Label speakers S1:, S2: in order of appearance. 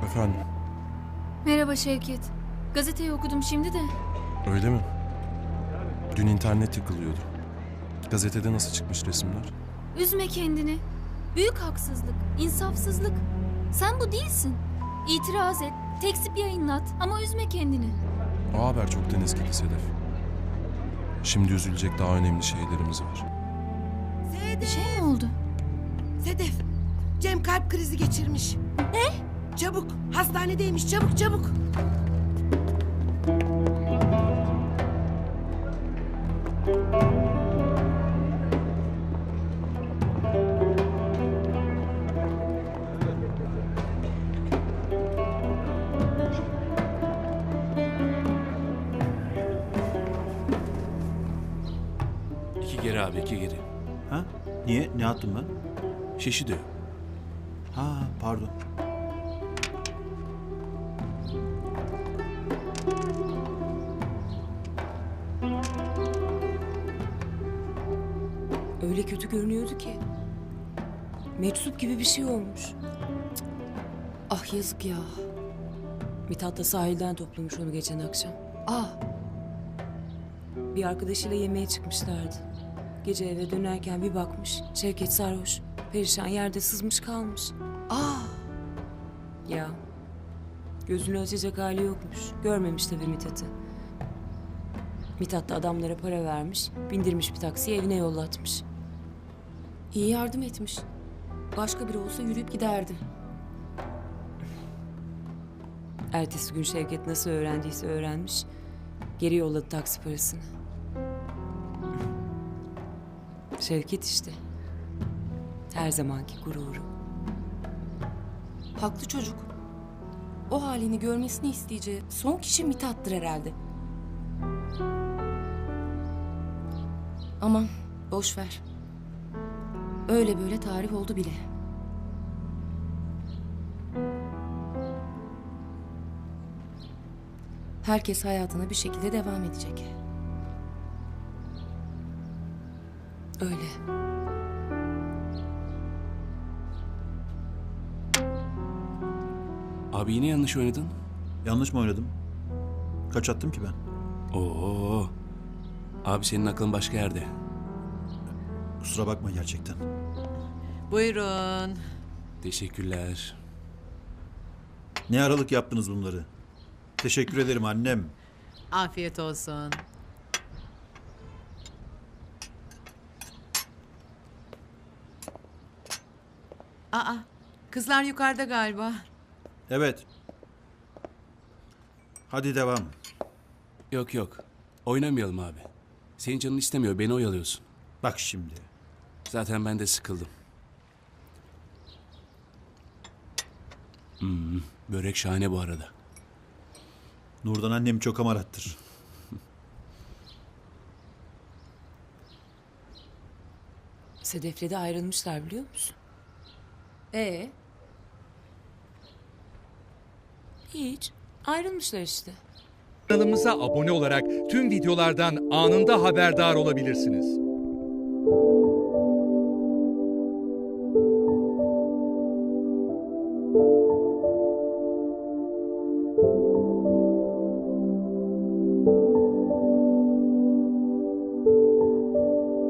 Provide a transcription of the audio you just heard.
S1: Efendim,
S2: Merhaba Şevket. Gazeteyi okudum şimdi de.
S1: öyle mi? Dün internet yıkılıyordu. Gazetede nasıl çıkmış resimler?
S2: Üzme kendini. Büyük haksızlık, insafsızlık. Sen bu değilsin. İtiraz et, tekzip yayınlat ama üzme kendini.
S1: O haber çoktan eskidi Sedef. Şimdi üzülecek daha önemli şeylerimiz var.
S2: Bir şey mi oldu?
S3: Sedef, Cem kalp krizi geçirmiş. Ne? Çabuk, hastanedeymiş, çabuk çabuk.
S4: İki geri abi, iki geri.
S5: Ha? Niye? Ne attım ben?
S4: Şişi diyor.
S5: Ha, pardon.
S6: Öyle kötü görünüyordu ki. Meczup gibi bir şey olmuş. Cık. Ah yazık ya. Mithat da sahilden toplamış onu geçen akşam. Ah. Bir arkadaşıyla yemeğe çıkmışlardı. Gece eve dönerken bir bakmış. Şevket sarhoş. Perişan yerde sızmış kalmış. Ah. Ya. Gözünü açacak hali yokmuş. Görmemiş tabii Mithat'ı. Mithat da adamlara para vermiş. Bindirmiş bir taksiye evine yollatmış.
S7: İyi yardım etmiş. Başka biri olsa yürüyüp giderdi.
S6: Ertesi gün Şevket nasıl öğrendiyse öğrenmiş. Geri yolladı taksi parasını. Şevket işte. Her zamanki gururu.
S7: Haklı çocuk. O halini görmesini isteyeceği son kişi Mithat'tır herhalde. Aman boş ver. Öyle böyle tarih oldu bile. Herkes hayatına bir şekilde devam edecek.
S6: Öyle.
S4: Abi yine yanlış oynadın.
S5: Yanlış mı oynadım? Kaç attım ki ben?
S4: Oo. Abi senin aklın başka yerde.
S5: Kusura bakma gerçekten.
S8: Buyurun.
S4: Teşekkürler.
S5: Ne aralık yaptınız bunları? Teşekkür ederim annem.
S8: Afiyet olsun. Aa, kızlar yukarıda galiba.
S5: Evet. Hadi devam.
S4: Yok yok. Oynamayalım abi. Senin canın istemiyor. Beni oyalıyorsun.
S5: Bak şimdi.
S4: Zaten ben de sıkıldım. Börek şahane bu arada.
S5: Nurdan annem çok amarattır.
S6: Sedef'le de ayrılmışlar biliyor musun? Hiç. Ayrılmışlar işte.
S9: Kanalımıza abone olarak tüm videolardan anında haberdar olabilirsiniz.